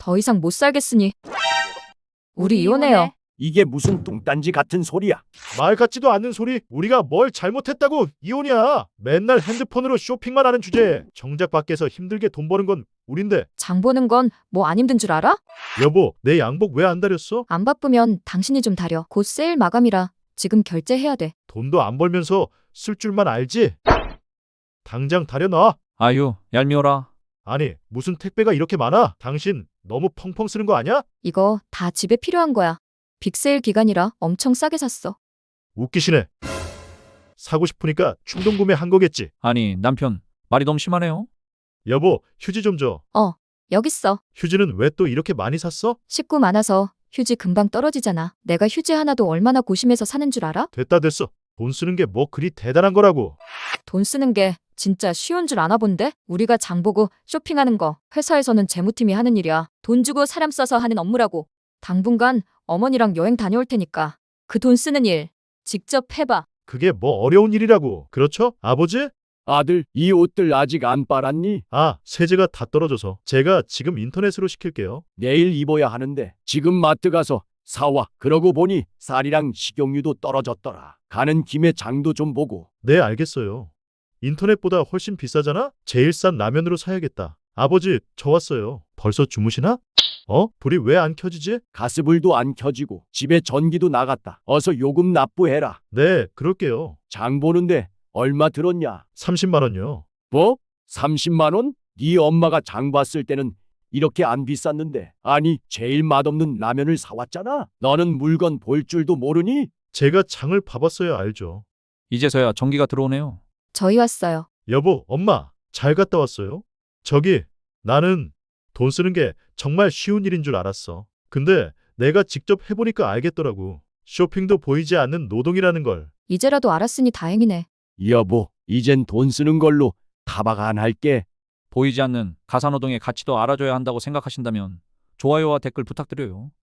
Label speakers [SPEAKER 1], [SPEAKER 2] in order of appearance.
[SPEAKER 1] 더 이상 못 살겠으니 우리 이혼해요.
[SPEAKER 2] 이게 무슨 뚱딴지 같은 소리야.
[SPEAKER 3] 말 같지도 않는 소리. 우리가 뭘 잘못했다고 이혼이야. 맨날 핸드폰으로 쇼핑만 하는 주제에 정작 밖에서 힘들게 돈 버는 건 우린데.
[SPEAKER 1] 장 보는 건 뭐 안 힘든 줄 알아?
[SPEAKER 3] 여보, 내 양복 왜 안 다렸어?
[SPEAKER 1] 안 바쁘면 당신이 좀 다려. 곧 세일 마감이라 지금 결제해야 돼.
[SPEAKER 3] 돈도 안 벌면서 쓸 줄만 알지? 당장 다려놔.
[SPEAKER 4] 아유, 얄미워라.
[SPEAKER 3] 아니, 무슨 택배가 이렇게 많아? 당신 너무 펑펑 쓰는 거 아니야?
[SPEAKER 1] 이거 다 집에 필요한 거야. 빅세일 기간이라 엄청 싸게 샀어.
[SPEAKER 3] 웃기시네. 사고 싶으니까 충동 구매한 거겠지.
[SPEAKER 4] 아니, 남편, 말이 너무 심하네요.
[SPEAKER 3] 여보, 휴지 좀 줘.
[SPEAKER 1] 여기 있어.
[SPEAKER 3] 휴지는 왜 또 이렇게 많이 샀어?
[SPEAKER 1] 식구 많아서 휴지 금방 떨어지잖아. 내가 휴지 하나도 얼마나 고심해서 사는 줄 알아?
[SPEAKER 3] 됐다 됐어. 돈 쓰는 게 뭐 그리 대단한 거라고.
[SPEAKER 1] 돈 쓰는 게 진짜 쉬운 줄 아나 본데? 우리가 장 보고 쇼핑하는 거 회사에서는 재무팀이 하는 일이야. 돈 주고 사람 써서 하는 업무라고. 당분간 어머니랑 여행 다녀올 테니까 그 돈 쓰는 일 직접 해봐.
[SPEAKER 3] 그게 뭐 어려운 일이라고. 그렇죠? 아버지?
[SPEAKER 2] 아들, 이 옷들 아직 안 빨았니?
[SPEAKER 3] 아, 세제가 다 떨어져서. 제가 지금 인터넷으로 시킬게요.
[SPEAKER 2] 내일 입어야 하는데 지금 마트 가서 사와. 그러고 보니 쌀이랑 식용유도 떨어졌더라. 가는 김에 장도 좀 보고.
[SPEAKER 3] 네, 알겠어요. 인터넷보다 훨씬 비싸잖아? 제일 싼 라면으로 사야겠다. 아버지, 저 왔어요. 벌써 주무시나? 불이 왜 안 켜지지?
[SPEAKER 2] 가스불도 안 켜지고 집에 전기도 나갔다. 어서 요금 납부해라.
[SPEAKER 3] 네, 그럴게요.
[SPEAKER 2] 장 보는데 얼마 들었냐?
[SPEAKER 3] 30만 원요.
[SPEAKER 2] 뭐? 30만 원? 네 엄마가 장 봤을 때는 이렇게 안 비쌌는데. 아니, 제일 맛없는 라면을 사왔잖아. 너는 물건 볼 줄도 모르니?
[SPEAKER 3] 제가 장을 봐봤어야 알죠.
[SPEAKER 4] 이제서야 전기가 들어오네요.
[SPEAKER 1] 저희 왔어요.
[SPEAKER 3] 여보, 엄마, 잘 갔다 왔어요? 저기, 나는 돈 쓰는 게 정말 쉬운 일인 줄 알았어. 근데 내가 직접 해보니까 알겠더라고. 쇼핑도 보이지 않는 노동이라는 걸.
[SPEAKER 1] 이제라도 알았으니 다행이네.
[SPEAKER 2] 여보, 이젠 돈 쓰는 걸로 타박 안 할게.
[SPEAKER 4] 보이지 않는 가사노동의 가치도 알아줘야 한다고 생각하신다면 좋아요와 댓글 부탁드려요.